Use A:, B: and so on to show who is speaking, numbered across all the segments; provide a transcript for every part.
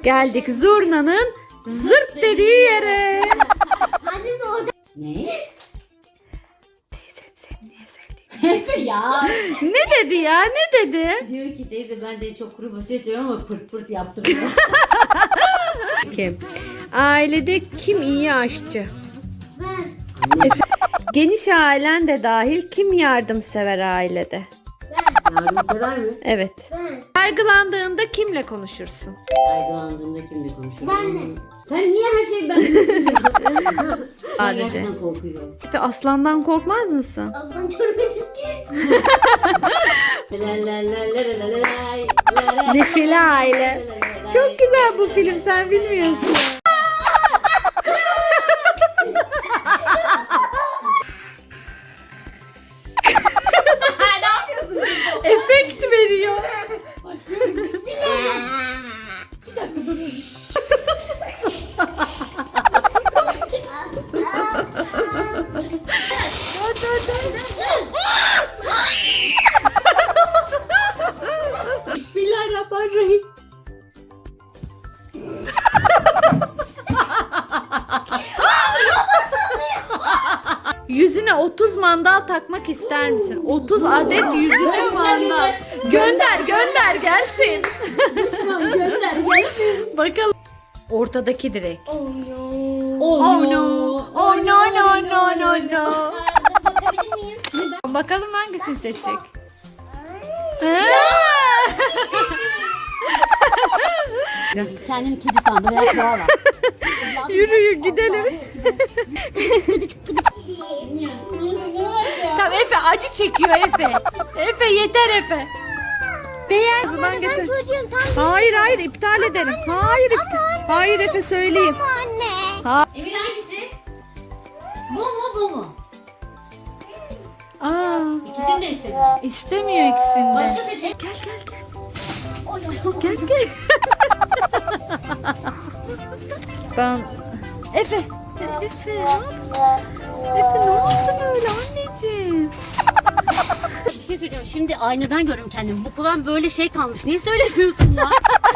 A: Geldik zurnanın zırt dediği yere.
B: Annem orada.
C: Ne?
A: Teyze seni niye sevdiğini.
C: Efe ya.
A: Ne dedi ya, ne dedi?
C: Diyor ki teyze ben de çok kuru fasulye seviyorum ama pırt pırt yaptım.
A: Kim? Ailede kim iyi aşçı?
B: Ben.
A: Geniş ailen de dahil kim yardımsever ailede?
C: Yardımsever mi?
A: Evet.
B: Ben.
A: Kaygılandığında kimle konuşursun?
C: Kaygılandığımda kimle konuşurum?
B: Benle.
C: Sen niye her şeyi ben Ben
A: Sadece.
C: gerçekten korkuyorum.
A: Efe, aslandan korkmaz mısın?
B: Aslan görmedim ki.
A: Neşeli aile. Çok güzel bu film, sen bilmiyorsun.
C: Ne yapıyorsun?
A: Efekt veriyor.
C: Başlıyorum. Bismillah. Bir dakika durun. Bismillahirrahmanirrahim.
A: Yüzüne 30 mandal takmak ister misin? 30 adet yüzüne mandal. Gönder gelsin.
C: Düşman gönder gelsin.
A: Bakalım. Ortadaki direk.
B: Oh no.
A: Oh no. Oh no no no no no.
B: Bakabilir miyim?
A: Bakalım hangisini seçecek?
C: Kendini kedi sandı veya koala.
A: Yürüyün gidelim. Tamam Efe acı çekiyor Efe. Efe yeter Efe. Beğen. Ben
B: Ben
A: getir.
B: çocuğum tam.
A: Hayır iptal ederim. Hayır Efe söyleyeyim.
B: Anne.
C: Emir hangisi? Bu mu bu mu?
A: Aa,
C: İkisini de istedim.
A: istemiyor ikisini de.
C: Başka seçelim.
A: Gel. Ben Efe ne yaptın öyle anneciğim?
C: Bir şey söyleyeceğim. Şimdi aynadan görüyorum kendimi. Bu kulağım böyle şey kalmış. Niye söylemiyorsun ya?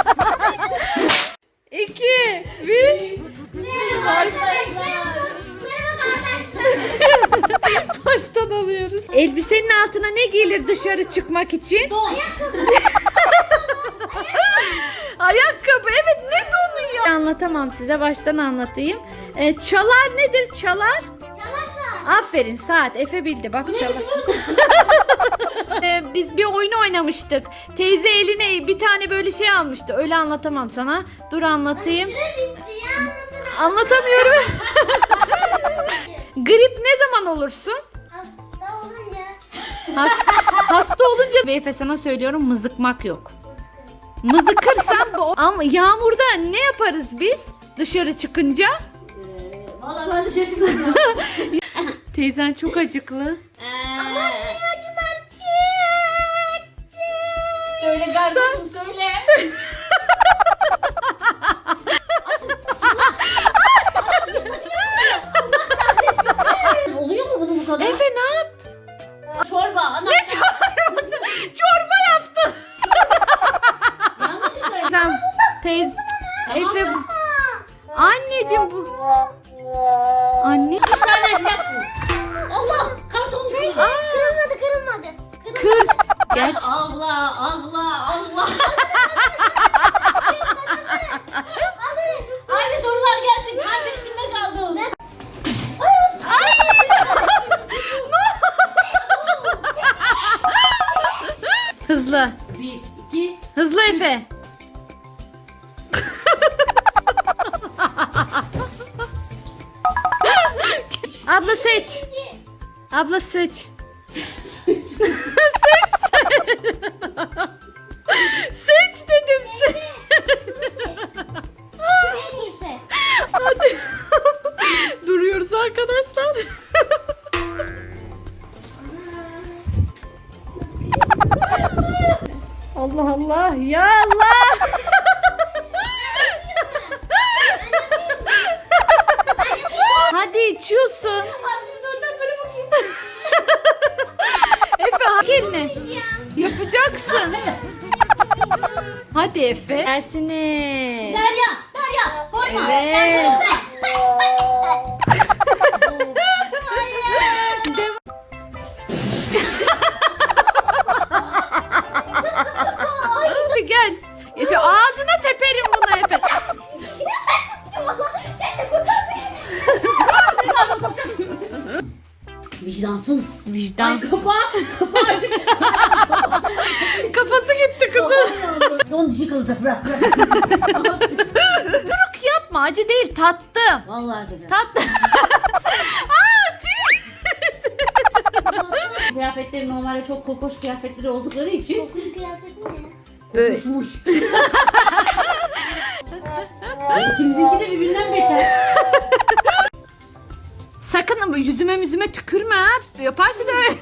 A: 2 1
B: Merhaba arkadaşlar. Merhaba arkadaşlar.
A: Baştan alıyoruz. Elbisenin altına ne giyilir dışarı çıkmak için?
C: Don.
A: Ayakkabı. Evet, ne donu ya? Anlatamam size, baştan anlatayım. Çalar nedir çalar?
B: Çalarsa.
A: Aferin, saat. Efe bildi bak, çalar. Biz bir oyun oynamıştık. Teyze eline bir tane böyle şey almıştı. Öyle anlatamam sana. Dur anlatayım.
B: Süre bitti ya.
A: Anlatamıyorum. Grip ne zaman olursun?
B: Hasta olunca.
A: Hasta olunca. Efe sana söylüyorum, mızıkmak yok. Mızıkırsan ama yağmurda ne yaparız biz dışarı çıkınca?
C: Valla ben dışarı çıkıyorum.
A: Teyzen çok acıklı.
C: Söyle kardeşim söyle. Oluyor mu bunun bu kadar?
A: Efe ne yaptın?
C: Çorba. Ana.
A: Ne çorbası? Çorba yaptın.
C: Yanlış mı söyledim?
A: Sen teyze Efe bu. Anneciğim bu. Anne.
C: Üç tane açacaksınız. Allah karton düşüyor.
B: Kırılmadı.
A: Kır. Geç.
C: Allah. Hadi sorular gelsin. Kalbin içinde kaldım.
A: Hızlı.
C: 1, 2.
A: Hızlı Efe. Abla seç. Abla seç. Seç dedim.
B: En iyisi.
A: Hadi. Duruyoruz arkadaşlar. Allah Allah ya Allah. Hadi içiyorsun.
C: Anne dur da böyle bakayım.
A: Efe hak eline. Yapacaksın. Hadi Efe. Dersini.
C: Derya
A: Evet. Gel. Efe ağzına teperim bunu Efe.
C: Vicdansız.
A: Vicdan.
C: Kapağı açık.
A: Kafası gitti kızın.
C: Onun dişi kırılacak bırak.
A: Duruk yapma, acı değil, tattım.
C: Vallahi dedi.
A: Tattım.
C: Kıyafetleri normalde çok kokoş kıyafetleri oldukları için
B: Kokulu kıyafet ne?
A: Böyle.
C: kokuşmuş. İkimizinki de birbirinden beter.
A: Sakın ama yüzüme tükürme ha. Yaparsın öyle.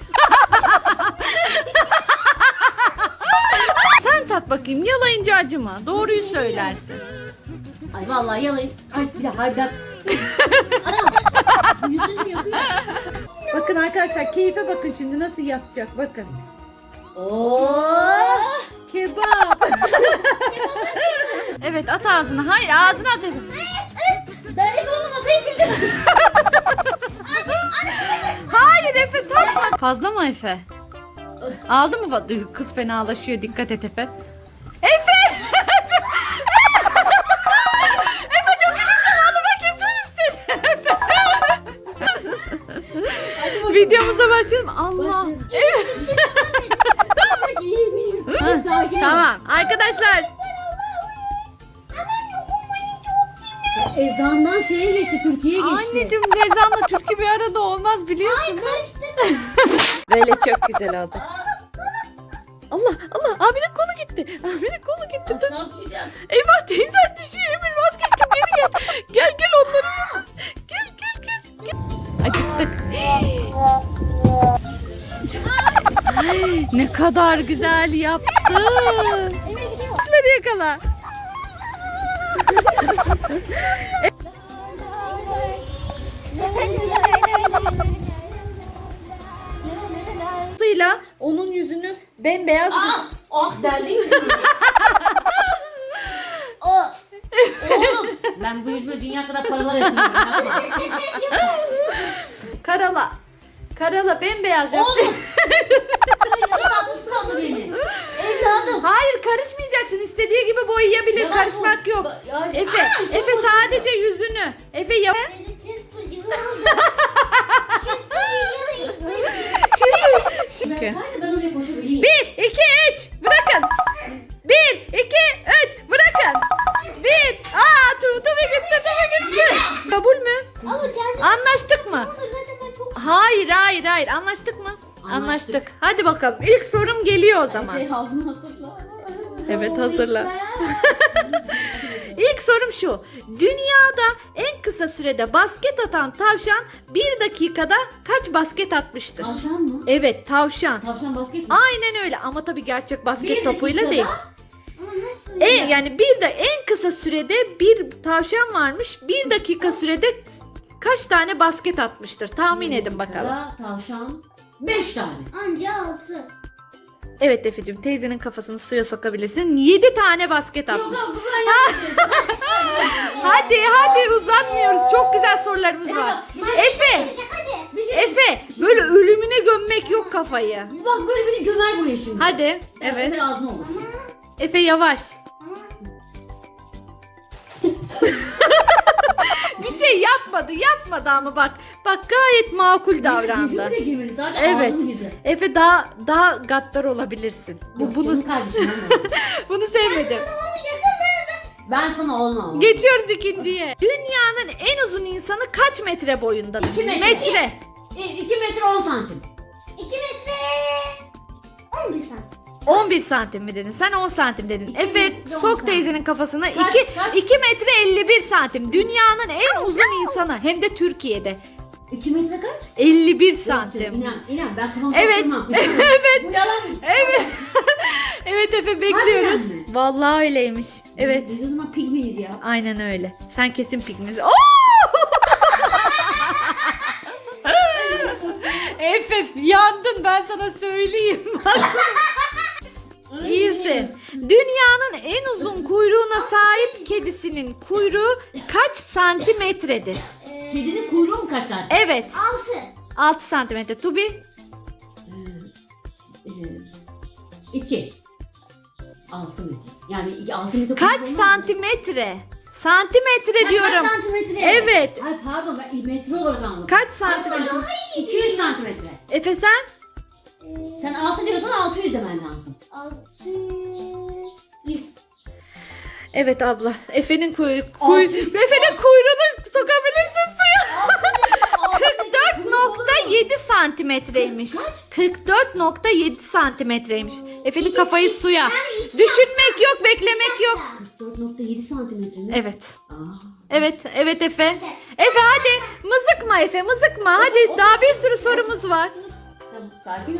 A: Sen tat bakayım, yalayınca acıma. Doğruyu söylersin.
C: Ay vallahi yalayın. Ay bir dakika harbiden. Anam. Bu yüzünü yakıyor.
A: Bakın arkadaşlar, keyfe bakın şimdi nasıl yatacak, bakın.
C: Oh.
A: Kebap. Evet, at ağzına. Hayır, ağzına atacaksın.
C: Dernek olma masayı sildim.
A: Hayır Efe, tatma. Fazla mı Efe? Aldı mı? Kız fenalaşıyor, dikkat et Efe. Efe! Efe dökülürsen halıma keserim seni. Videomuza başlayalım. Allah.
C: Başlayalım.
A: Evet.
C: İyiyim iyiyim.
A: Ha,
C: Sakin ol.
A: tamam. Arkadaşlar.
C: Ezandan şeye geçti, Türkiye'ye geçti.
A: Anneciğim, Rezan'la Türkü bir arada olmaz biliyorsun.
B: Karıştı.
A: Böyle çok güzel oldu. Allah Allah, abinin kolu gitti. Abinin kolu gitti. Dur.
C: Aşağı düşeceğim.
A: Eyvah, teyzen düşüyor. Emir vazgeçtim, geri gel. Gel onları yalnız. Gel. Acıktık. Ay, ne kadar güzel yaptı. Kuşları yakala. Sıyla onun yüzünü bembeyaz.
C: Ah! Ah deldi yüzümü. Ah! Oğlum ben bu yüzüme dünya kadar paralar yatırıyorum.
A: Karala bembeyaz yap.
C: Oğlum! Tatlısı sandı beni. Evladım.
A: Hayır, karışmayacaksın. İstediği gibi boyayabilir.
C: Yavaş
A: Karışmak
C: ol.
A: yok.
C: Yavaş.
A: Efe,
C: Aa, çok
A: Efe
C: hoşuma
A: sadece yüzünü. Efe yap.
B: Cheeseburger oldu.
A: Çünkü.
C: Hadi ben oraya koşabileyim.
A: 1, 2, 3. Bırakın. 1, 2, 3. Bırakın. 1. Tabii gitti. Kabul mü?
B: Ama kendi
A: Anlaştık mı?
B: olur zaten ben çok
A: Hayır. Anlaştık mı?
C: Anlaştık.
A: Hadi bakalım. İlk sorum geliyor o zaman.
C: Ey havlu hazırla.
A: Evet, hazırla. İlk sorum şu. Dünyada en kısa sürede basket atan tavşan 1 dakikada kaç basket atmıştır?
C: Tavşan mı?
A: Evet, tavşan.
C: Tavşan basket mi?
A: Aynen öyle, ama tabii gerçek basket
C: Bir
A: topuyla
C: dakikada
A: değil.
B: Ama nasıl?
A: Yani bir de en kısa sürede bir tavşan varmış. 1 dakika sürede kaç tane basket atmıştır? Tahmin edin bakalım.
C: dakikada Tavşan 5 tane.
B: Anca 6.
A: Evet Efe'cim, teyzenin kafasını suya sokabilirsin. 7 tane basket
C: Yok
A: atmış.
C: bu kadar
A: Hadi uzatmıyoruz. Çok güzel sorularımız var. Efe,
B: Hadi.
C: Bir şey
A: Efe, böyle ölümüne gömmek yok kafayı.
C: Bak böyle beni gömer buraya şimdi.
A: Hadi. Evet.
C: Ömer ağzına olur.
A: Efe yavaş. Bir şey yapmadı ama bak gayet makul davrandı.
C: Yüzümü de girmedi sadece
A: Evet.
C: ağzım girdi.
A: Efe daha gaddar olabilirsin.
C: Yok,
A: Bunu
C: canım kardeşim ben de.
A: bunu sevmedim.
C: Ben sana olmam.
A: Geçiyoruz ikinciye. Dünyanın en uzun insanı kaç metre boyundadır?
C: 2 metre.
A: Metre.
C: 2 metre 10 santim.
B: 2 metre 11 santim.
A: 11 santim mi dedin? Sen 10 santim dedin.
C: İki
A: Efe
C: metre, 10
A: sok
C: santim.
A: teyzenin kafasına.
C: Kaç,
A: 2
C: kaç?
A: 2 metre 51 santim. Dünyanın en uzun insanı, hem de Türkiye'de.
C: 2 metre kaç?
A: 51
C: Yok canım,
A: santim.
C: İnan ben kafamı
A: Evet.
C: sokturmam.
A: Evet.
C: Bu yalan.
A: Evet. Evet Efe, bekliyoruz.
C: Harbiden mi?
A: Vallahi öyleymiş. Evet.
C: Biz o zaman pigmeyiz ya.
A: Aynen öyle. Sen kesin pigmiz. Efe yandın, ben sana söyleyeyim. İyisin. Dünyanın en uzun kuyruğuna sahip kedisinin kuyruğu kaç santimetredir?
C: Kedinin kuyruğu mu kaç santim?
A: Evet.
B: 6.
A: 6 santimetre. Tubi?
C: 2. 6 metre. Yani 6 metre.
A: Kaç
C: kuyruğu mu?
A: santimetre? Santimetre
C: Ha,
A: diyorum.
C: Kaç santimetre?
A: Evet.
C: Ay pardon ben metre olarak anladım.
A: Kaç santimetre?
C: 200 santimetre.
A: Efe sen?
C: Sen 6 diyorsan 600 demen lazım.
B: 6. 100.
A: Evet abla. Efe'nin
C: Altı.
A: Efe'nin kuyruğunu sokabilirsin suya. 44.7 santimetreymiş. 44.7 santimetreymiş. Efe'nin kafayı suya. Düşünmek yok, beklemek yok.
C: 44.7 santimetre mi?
A: Evet.
C: Aa.
A: Evet, evet Efe. Efe hadi mızıkma Efe, mızıkma. Hadi daha bir sürü sorumuz var.
C: Tamam sakin ol.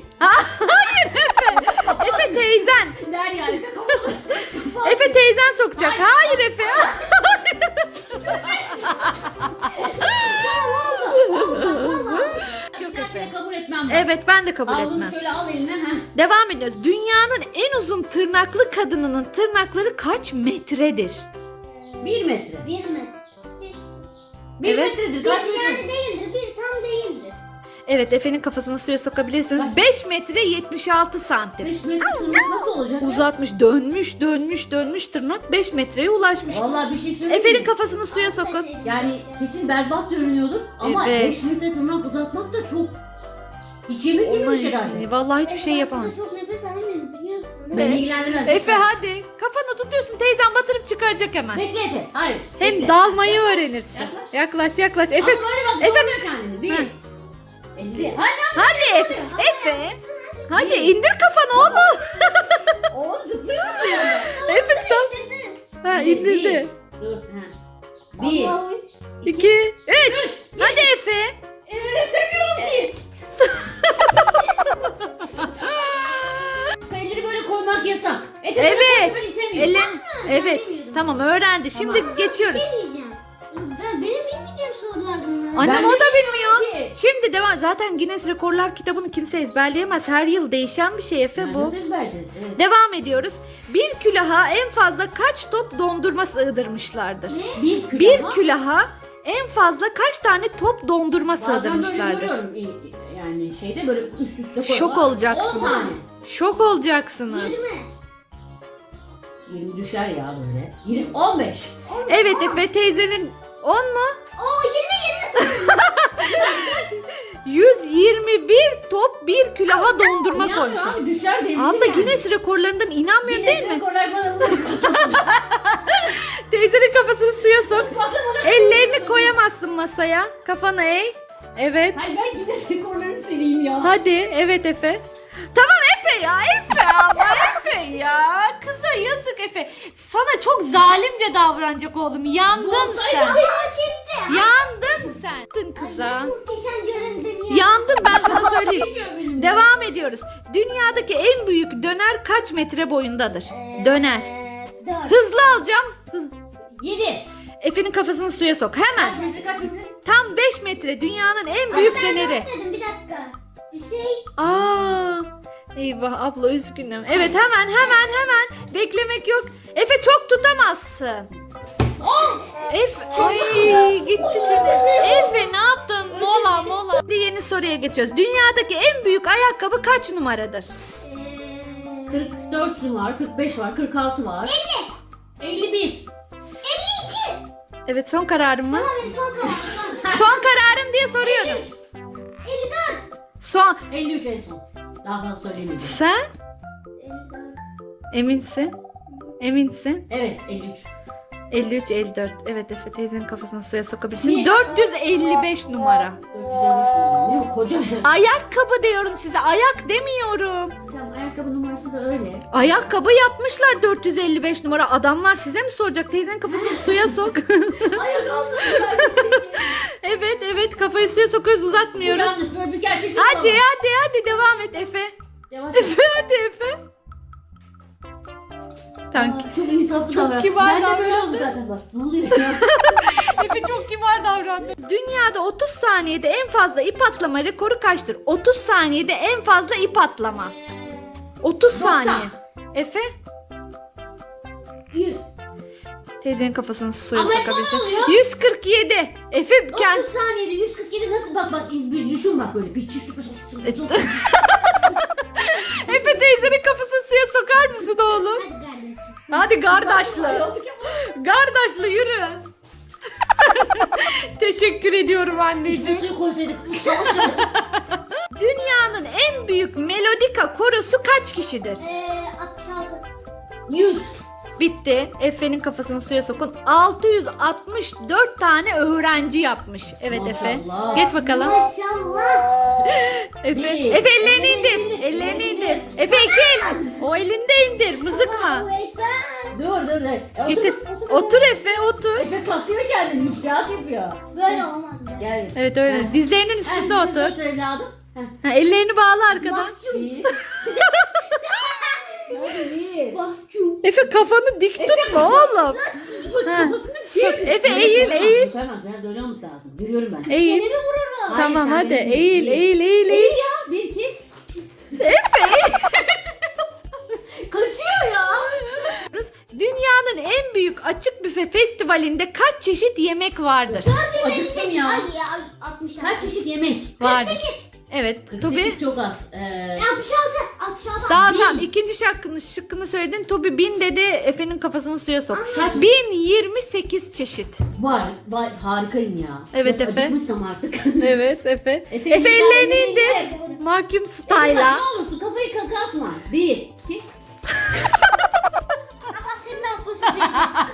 A: Efe teyzen.
C: Der yani.
A: Efe teyzen sokacak. Hayır Efe. Yok
C: Bir
A: Efe.
C: kabul etmem ben.
A: Evet ben de kabul
C: Al bunu
A: etmem.
C: şöyle al eline. Heh.
A: Devam ediyoruz. Dünyanın en uzun tırnaklı kadınının tırnakları kaç metredir?
C: 1 metre.
B: 1 mi?
C: 1
A: Evet.
C: metredir.
B: 1
C: Kaç metre?
B: yani değildir. 1 tam değildir.
A: Evet Efe'nin kafasını suya sokabilirsiniz. 5 metre 76 santim.
C: 5 metre tırnak nasıl olacak? ya?
A: Uzatmış, dönmüş tırnak 5 metreye ulaşmış.
C: Vallahi bir şey söyleyeyim
A: Efe'nin
C: mi?
A: kafasını suya sokun.
C: Yani kesin berbat görünüyordur ama
A: Evet.
C: 5 metre tırnak uzatmak da çok hiç yemek yememiş herhalde.
A: Vallahi hiçbir şey yapamam.
B: Ben çok nefes alamıyorum biliyorsun.
C: Beni ilgilendirmez.
A: Efe hadi. Kafanı tutuyorsun teyzem batırıp çıkaracak hemen.
C: Bekle Efe. Hayır.
A: Hem
C: bekle.
A: dalmayı öğrenirsin.
C: Yaklaş.
A: Yaklaş. Efe.
C: Ama böyle bak
A: Efe.
C: zorluyor kendini. 1.
A: Heh.
C: 50. Hadi
A: Hadi Efe. Efe. Hadi indir kafanı oğlum.
C: O zıplıyor mu?
A: Efe tam. Ha indirdi.
C: Dur. 1.
B: Allah'ım.
A: 2 3. Hadi Efe.
C: Öğretemiyorum ki. Elleri böyle koymak yasak. Efe
A: Evet.
C: böyle kocaman itemiyor.
A: Elin. Evet.
B: bilmiyordum.
A: Tamam öğrendi. Şimdi geçiyoruz.
B: Bir şey diyeceğim. Benim bilmeyeceğim sorular bunlar.
A: Annem
C: Ben
A: o
C: de
A: da
C: bilmiyorum
A: bilmiyor.
C: ki.
A: Şimdi devam. Zaten Guinness Rekorlar kitabını kimse ezberleyemez. Her yıl değişen bir şey Efe
C: Yani
A: bu.
C: nasıl ezberleyeceğiz? Evet.
A: Devam ediyoruz. Bir külaha en fazla kaç top dondurma sığdırmışlardır?
C: Bir külah.
A: Bir külaha en fazla kaç tane top dondurma
C: Bazen böyle
A: sığdırmışlardır?
C: görüyorum. Yani şeyde böyle üst üste koyuyorlar.
A: Şok olacaksınız.
C: 10 tane.
A: Şok olacaksınız.
B: 20.
C: 20 düşer ya böyle. 20, 15.
A: Evet Efe teyzenin 10 mu?
B: Oo
A: 121 top bir külaha dondurma
C: İnanmıyorum
A: koymuş.
C: abi düşer denildi
A: Abla
C: yani.
A: Guinness rekorlarından inanmıyorsun değil mi?
C: rekorlar bana
A: Teyzenin kafasını suya sok. Ellerini koyamazsın masaya. Kafanı eğ. Evet.
C: Hayır ben Guinness rekorlarını seveyim ya.
A: Hadi. Evet Efe. Tamam Efe ya. Efe ama Efe ya. Kıza yazık Efe. Sana çok zalimce davranacak oğlum. Yandın
C: Olsaydı
A: sen.
B: hak etti.
A: Yandın sen. Yandın kıza.
B: Muhteşem göründün ya.
A: Yandın ben sana söyleyeyim.
C: Geçiyor benim.
A: Devam ediyoruz. Dünyadaki en büyük döner kaç metre boyundadır? Döner.
B: 4.
A: Hızlı alacağım.
C: 7.
A: Efe'nin kafasını suya sok. Hemen.
C: Kaç metre kaç metre?
A: Tam 5 metre dünyanın en büyük
B: Ben
A: döneri.
B: dedim bir dakika. Bir şey.
A: Aa. Eyvah abla üzgünüm. Evet hemen. Beklemek yok. Efe çok tutamazsın. Efe ay gitti canım. Efe ne yaptın? Mola. Hadi yeni soruya geçiyoruz. Dünyadaki en büyük ayakkabı kaç numaradır?
C: 44 var, 45 var, 46 var. 50. 51.
A: Evet son kararın mı?
B: Tamam son karar.
A: Son kararın diye soruyorum.
B: 54.
A: Son.
C: 53 en son. Daha fazla söyleyemeyeceğim.
A: Sen
B: 54.
A: eminsin? Eminsin?
C: Evet 53.
A: 53 54. Evet Efe teyzenin kafasını suya sokabilirsin.
C: Niye?
A: 455 numara.
C: 453 ne o koca.
A: Ayakkabı diyorum size. Ayak demiyorum.
C: Tamam ayakkabı numarası da öyle.
A: Ayakkabı yapmışlar 455 numara. Adamlar size mi soracak? Teyzenin kafasını suya sok.
C: Ayak altında
A: Evet kafayı suya sokuyoruz uzatmıyoruz.
C: Yanlış böyle bir gerçeklik
A: Hadi devam et Efe.
C: Yavaş.
A: Hadi Efe. Tamam.
C: Çok insaflı
A: Çok
C: davran.
A: kibar
C: Ben de böyle
A: davrandı.
C: oldu zaten bak. Ne oluyor ya?
A: Efe çok kibar davrandı. Dünyada 30 saniyede en fazla ip atlama rekoru kaçtır? 30 saniyede en fazla ip atlama. 30
C: 90.
A: saniye. Efe
B: 100.
A: Teyzenin kafasını suya
C: Ama
A: sokabilirsin.
C: ne oluyor?
A: 147. Efe
C: 30
A: kend...
C: saniyede 147 nasıl bak bir düşün bak böyle. Bir iki üç dört beş altı dokuz on.
A: Efe teyzenin kafasını suya sokar mısın oğlum?
B: Hadi kardeşim.
A: Hadi kardeşli. Kardeşli yürü. Teşekkür ediyorum
C: İşte
A: anneciğim.
C: suyu koysaydık savaşı.
A: Dünyanın en büyük melodika korosu kaç kişidir?
B: 66.
C: 100.
A: Bitti. Efe'nin kafasını suya sokun. 664 tane öğrenci yapmış. Evet Efe.
C: Maşallah.
A: Geç bakalım.
B: Maşallah.
A: Efe.
C: Bir.
A: Efe ellerini
C: Ellerini
A: indir.
C: indir.
A: Ellerini
C: Ellerini
A: indir.
C: indir.
A: Efe iki el. O elinde indir. Mızıkma.
B: Allahu Ekber.
C: Dur.
A: Getir. Otur Efe otur.
C: Efe kasıyor kendini. Müşkilat yapıyor.
B: Böyle olmaz.
C: Gel.
A: Evet öyle. Dizlerinin üstünde otur.
C: Otur evladım. Heh.
A: Ha, ellerini bağla arkadan.
C: Bir. Hadi bir.
B: Mahkum.
A: Efe kafanı dik tutma oğlum.
C: Bak
A: Ha.
C: kafasını
A: Sok.
C: çevir.
A: Efe eğil eğil.
C: Tamam ben döne olması lazım. Görüyorum ben.
A: Eğil.
B: Seni vururum.
C: Hayır,
A: Tamam
C: sen
A: hadi
C: beni
A: eğil
C: değil.
A: eğil eğil
C: Eğil
A: eğil.
C: ya. Bir iki. Kaçıyor ya.
A: Dünyanın en büyük açık büfe festivalinde kaç çeşit yemek vardır?
C: Acıktım ya.
B: Ay ya 66.
C: Kaç çeşit yemek?
A: Vardır.
B: 48.
A: Evet.
C: 48
A: Tobi
C: çok az.
B: 66. 66.
A: daha
C: bin.
A: tamam ikinci şıkkını söyledin. Tobi 1000 dedi. Efe'nin kafasını suya sok.
C: Kaç?
A: 1028 çeşit.
C: Var. Harikayım ya.
A: Evet,
C: Nasıl
A: Efe.
C: acıkmışsam artık.
A: Evet Efe.
C: Efe,
A: Efe ellerini
C: ellerini
A: indir. Mahkum style'a.
C: Ne olursun kafayı kasma. Bir, iki.
B: Ama senin affısın.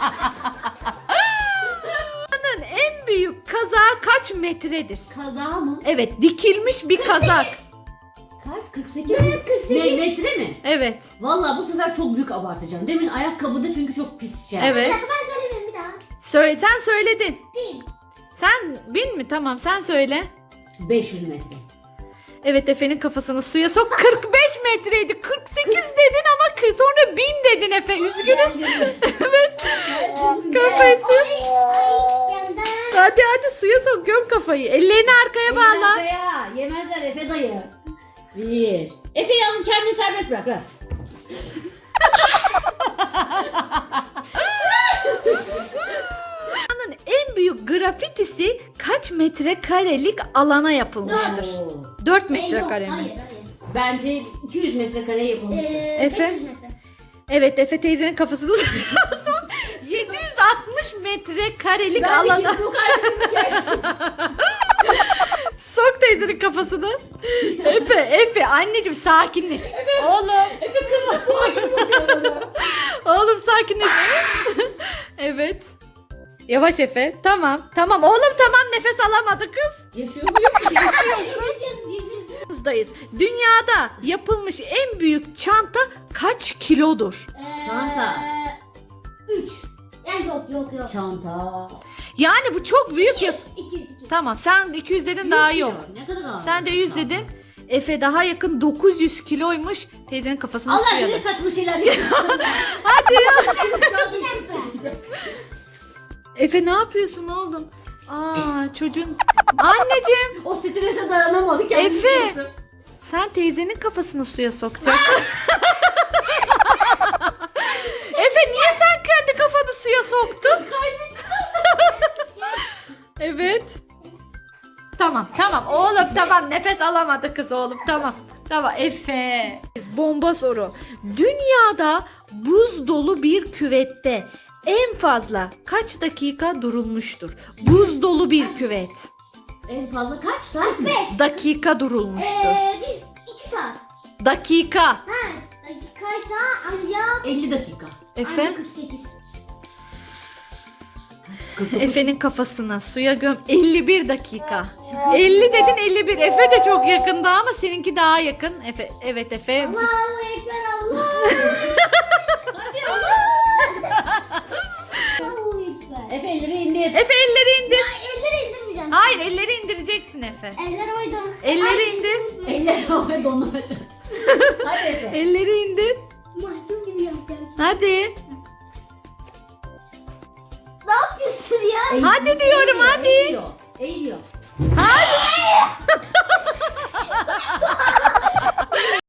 A: Dünyanın en büyük kazağı kaç metredir?
C: Kaza mı?
A: Evet dikilmiş bir kazak.
C: Kaç? 48
B: Evet, 48.
C: Metre mi?
A: Evet.
C: Vallahi bu sefer çok büyük abartacağım. Demin ayakkabıda çünkü çok pis şey.
B: Bir
A: Evet.
B: dakika ben söyleyeyim bir daha.
A: Sen söyledin.
B: 1000.
A: Sen 1000 mi? Tamam sen söyle.
C: 500 metre.
A: Evet Efe'nin kafasını suya sok. 45 metreydi. 48 dedin ama sonra 1000 dedin Efe. Üzgünüm. Evet. Kafası.
B: Ay yandan.
A: Hadi suya sok. Göm kafayı. Ellerini arkaya bağla.
C: Daya. Yemezler Efe dayı. Bir. Efe yalnız kendini serbest bırak. Ha.
A: Dünyanın en büyük grafitisi kaç metrekarelik alana yapılmıştır?
C: Oo.
A: 4
B: Yok,
A: metrekare mi?
B: hayır.
C: Bence 200 metrekare yapılmıştır.
A: Efe?
B: 500 metre.
A: Evet Efe teyzenin kafasını suya sok. 760 metrekarelik
C: Ben de
A: alana.
C: bu kalbimi
A: Sok teyzenin kafasını. Efe anneciğim sakinleş. Oğlum.
C: Efe kızla puanı bakıyor.
A: Oğlum sakinleş. Evet. Yavaş Efe. Tamam. Oğlum tamam nefes alamadı kız.
C: Yaşıyor muyum?
B: Yaşasın.
A: Buzdayız. Dünyada yapılmış en büyük çanta kaç kilodur?
C: Çanta.
B: 3. Yani yok.
C: Çanta.
A: Yani bu çok büyük yap.
B: 200.
A: Tamam sen 200 dedin daha iyi oldu.
C: Ne kadar ağır.
A: Sen de 100 dedin. Efe daha yakın 900 kiloymuş. Teyzenin kafasını
C: Allah
A: suya
C: aşkına
A: da.
C: saçma şeyler yapıyorsun.
A: Hadi ya.
C: Çanta
A: Efe ne yapıyorsun oğlum? Çocuğun. Anneciğim
C: O strese dayanamadı kendisi.
A: Efe.
C: yaptı.
A: sen teyzenin kafasını suya sokacaksın. Efe niye sen kendi kafanı suya soktun? Evet. Tamam oğlum tamam nefes alamadı kız oğlum tamam Efe. Bomba soru. Dünyada buz dolu bir küvette en fazla kaç dakika durulmuştur? Buz dolu bir küvet.
C: En fazla kaç saat mi?
B: 5.
A: Dakika durulmuştur.
B: Biz 2 saat.
A: Dakika.
B: Ha, dakikaysa ancak
C: 50 dakika.
A: Efe.
B: ancak 48.
A: Efe'nin kafasına suya göm 51 dakika. 50 dedin 51. Efe de çok yakında ama seninki daha yakın. Evet Efe.
B: Allahu Ekber Allah. Allahu Ekber.
C: Efe elleri indir.
A: Efe elleri indir.
B: Elleri indirmeyeceğim.
A: Hayır elleri indireceksin Efe.
B: Eller oydu.
A: Elleri
B: Ay,
A: indir.
C: Eller havaya donlamış. Hadi Efe.
A: Elleri indir.
B: Mahkum gibi yapacağım.
A: Hadi.
B: Ne yapıyorsun ya?
A: Hadi diyorum, hadi.
C: Eğiliyor. Eğiliyor.
A: Hadi.